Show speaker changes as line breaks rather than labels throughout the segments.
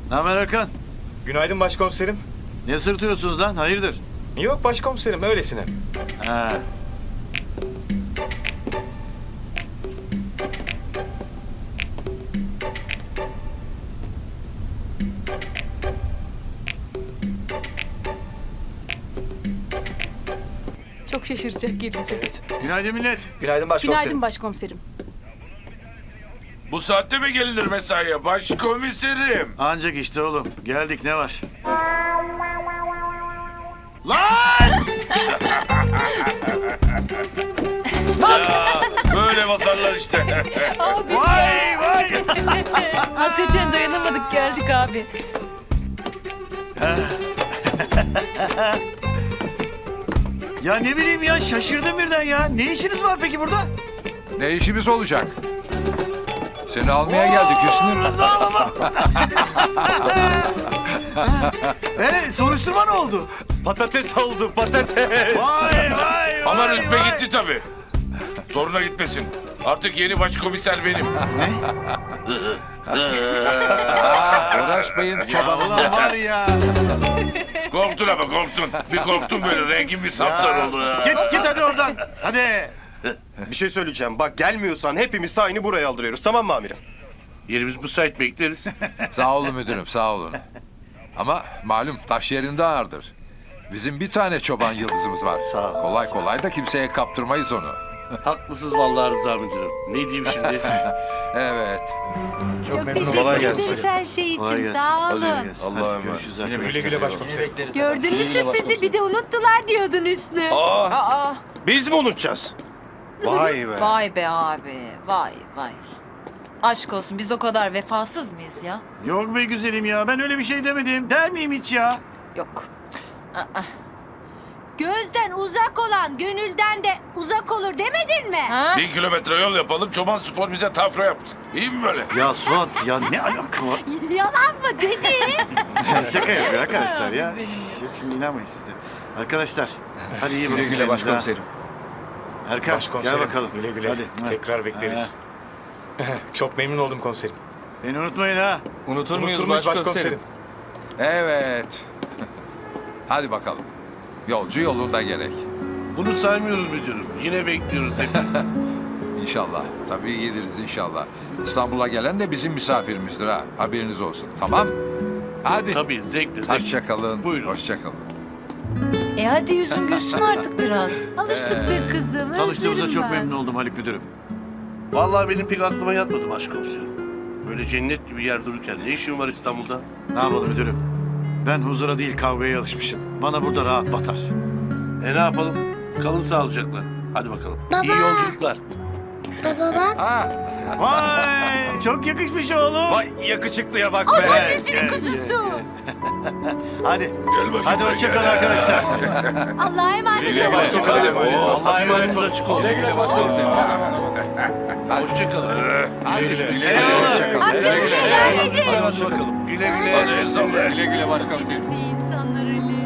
Ne haber Erkan?
Günaydın başkomiserim.
Ne sırtıyorsunuz lan? Hayırdır?
Yok başkomiserim, öylesine.
Ha.
Çok şaşıracak gelince.
Günaydın millet.
Günaydın başkomiserim.
Günaydın başkomiserim.
Bu saatte mi gelinir mesaiye başkomiserim?
Ancak işte oğlum. Geldik ne var?
Böyle basarlar işte.
Vay vay.
Hasreten dayanamadık geldik abi.
Ya ne bileyim ya şaşırdım birden ya. Ne işiniz var peki burada?
Ne işimiz olacak? Seni almaya geldik Hüsnü.
Rıza baba. Soruşturma ne oldu?
Patates oldu, patates.
Vay vay
Ama
vay,
rütbe
vay.
gitti tabii. Zoruna gitmesin. Artık yeni başkomiser benim.
Uğraşmayın
Ya
çobanım.
ulan var ya.
Korktun ama korktun. Bir korktun böyle rengin bir sapsarı oldu.
Git hadi oradan. Hadi.
Bir şey söyleyeceğim. Bak gelmiyorsan hepimiz aynı buraya aldırıyoruz. Tamam mı amirim?
Yerimiz müsait bekleriz.
Sağ olun müdürüm, sağ olun. Ama malum taş yerinde ağırdır. Bizim bir tane çoban yıldızımız var.
Sağ ol,
Kolay kolay da kimseye kaptırmayız onu.
Haklısınız vallahi Rıza müdürüm. Ne diyeyim şimdi?
Evet.
Çok memnunum.
Teşekkür
Kolay
ederiz
gelsin.
her şey
Kolay
için.
gelsin.
Sağ
Hadi
olun.
gelsin.
Allah'a
Hadi
emanet.
görüşürüz
Güle
arkadaşlar.
güle başkomiserim.
Gördün mü sürprizi? Bir de unuttular diyordun Hüsnü.
Biz mi unutacağız? Vay be.
Vay be abi, vay vay. Aşk olsun, biz o kadar vefasız mıyız ya?
Yok be güzelim ya. Ben öyle bir şey demedim. Der miyim hiç ya?
Yok.
Gözden uzak olan gönülden de uzak olur demedin mi?
Ha?
1000 kilometre yol yapalım. Çoban Spor bize tafra yapsın. İyi mi böyle?
Ya Suat ya ne alaka var?
Yalan mı dedi?
Şaka yapıyor arkadaşlar ya. Yok şimdi inanmayın siz de. Arkadaşlar hadi iyi bakın.
Güle güle
kendinize,
başkomiserim.
ha. Erkan
Başkomiserim.
gel bakalım.
Güle güle.
Hadi.
Tekrar bekleriz. Çok memnun oldum komiserim.
Beni unutmayın ha.
Unutur muyuz başkomiserim?
Evet. Hadi bakalım. Yolcu yolunda gerek.
Bunu saymıyoruz müdürüm. Yine bekliyoruz hepimiz.
İnşallah. Tabii geliriz inşallah. İstanbul'a gelen de bizim misafirimizdir ha. Haberiniz olsun. Tamam? Hadi.
Tabii zevkle zevkle.
Hoşça kalın.
Buyurun.
Hoşça kalın.
Hadi yüzün gülsün artık biraz.
Alıştık be kızım.
Tanıştığımıza
özledim
çok
ben.
memnun oldum Haluk Müdürüm.
Vallahi benim pek aklıma yatmadı başkomiserim. Böyle cennet gibi yer dururken ne işin var İstanbul'da?
Ne yapalım müdürüm? Ben huzura değil kavgaya alışmışım. Bana burada rahat batar.
Ne yapalım? Kalın sağlıcakla. Hadi bakalım. İyi yolculuklar.
Ha,
Vay çok yakışmış oğlum.
Vay yakışıklıya bak be.
Gel,
Kuzusu.
Hadi.
Gel bakayım.
Hadi hoşçakalın arkadaşlar.
Allah'a emanet
Güle
olun.
başkomiserim.
Allah'a emanet açık olsun.
Güle başkomiserim.
Hoşça kalın.
hadi.
Güle güle.
Hoşça kalın.
Hakkınızı helal edin.
Hadi bakalım. Güle güle.
Hadi el salla.
Güle güle başkomiserim.
İyi insanlar Ali.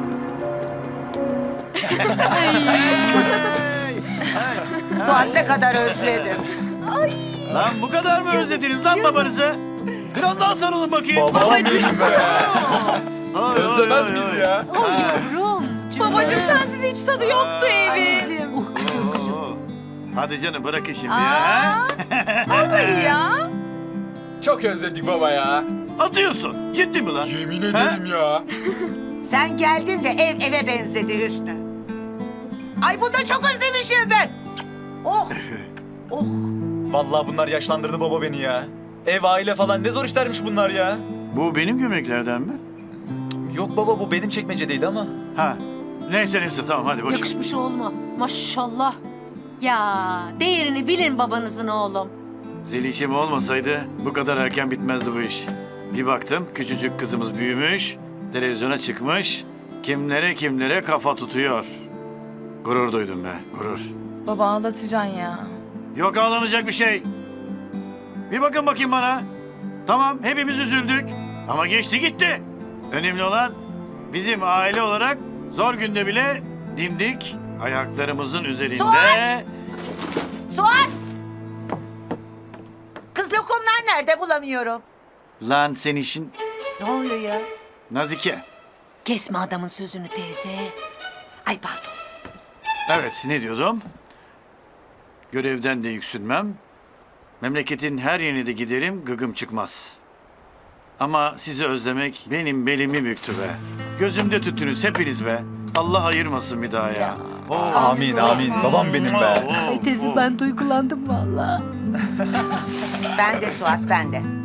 Suat ne kadar özledim.
Lan bu kadar mı özlediniz lan babanızı? Biraz daha sarılın bakayım.
Babacığım be. Özlemez miyiz
oy.
ya?
Yavrum.
Babacığım sensiz hiç tadı yoktu evin.
Anneciğim.
Oo. Hadi canım bırakın şimdi ya.
Olur ya.
Çok özledik baba ya.
Atıyorsun. Ciddi mi lan?
Yemin ederim ya.
Sen geldin de ev eve benzedi Hüsnü. Ay bunu da çok özlemişim ben. Cık, oh. Oh.
Vallahi bunlar yaşlandırdı baba beni ya. Ev, aile falan ne zor işlermiş bunlar ya.
Bu benim gömleklerden mi?
Yok baba, bu benim çekmecedeydi ama.
Ha. Neyse tamam hadi boş ver.
Yakışmış oğluma. Maşallah. Ya değerini bilin babanızın oğlum.
Zelişim olmasaydı bu kadar erken bitmezdi bu iş. Bir baktım küçücük kızımız büyümüş, televizyona çıkmış, kimlere kafa tutuyor. Gurur duydum be, gurur.
Baba ağlatacaksın ya.
Yok ağlanacak bir şey. Bir bakın bakayım bana. Tamam hepimiz üzüldük ama geçti gitti. Önemli olan bizim aile olarak zor günde bile dimdik ayaklarımızın üzerinde...
Suat! Suat! Kız lokumlar nerede bulamıyorum.
Lan sen işin...
Ne oluyor ya?
Nazike.
Kesme adamın sözünü teyze.
Ay pardon.
Evet, ne diyordum? Görevden de yüksünmem. Memleketin her yerine de giderim, gıgım çıkmaz. Ama sizi özlemek benim belimi büktü be. Gözümde tüttünüz hepiniz be. Allah ayırmasın bir daha ya.
Amin amin. Babam benim be.
Ay teyze ben duygulandım vallahi.
Ben de Suat ben de.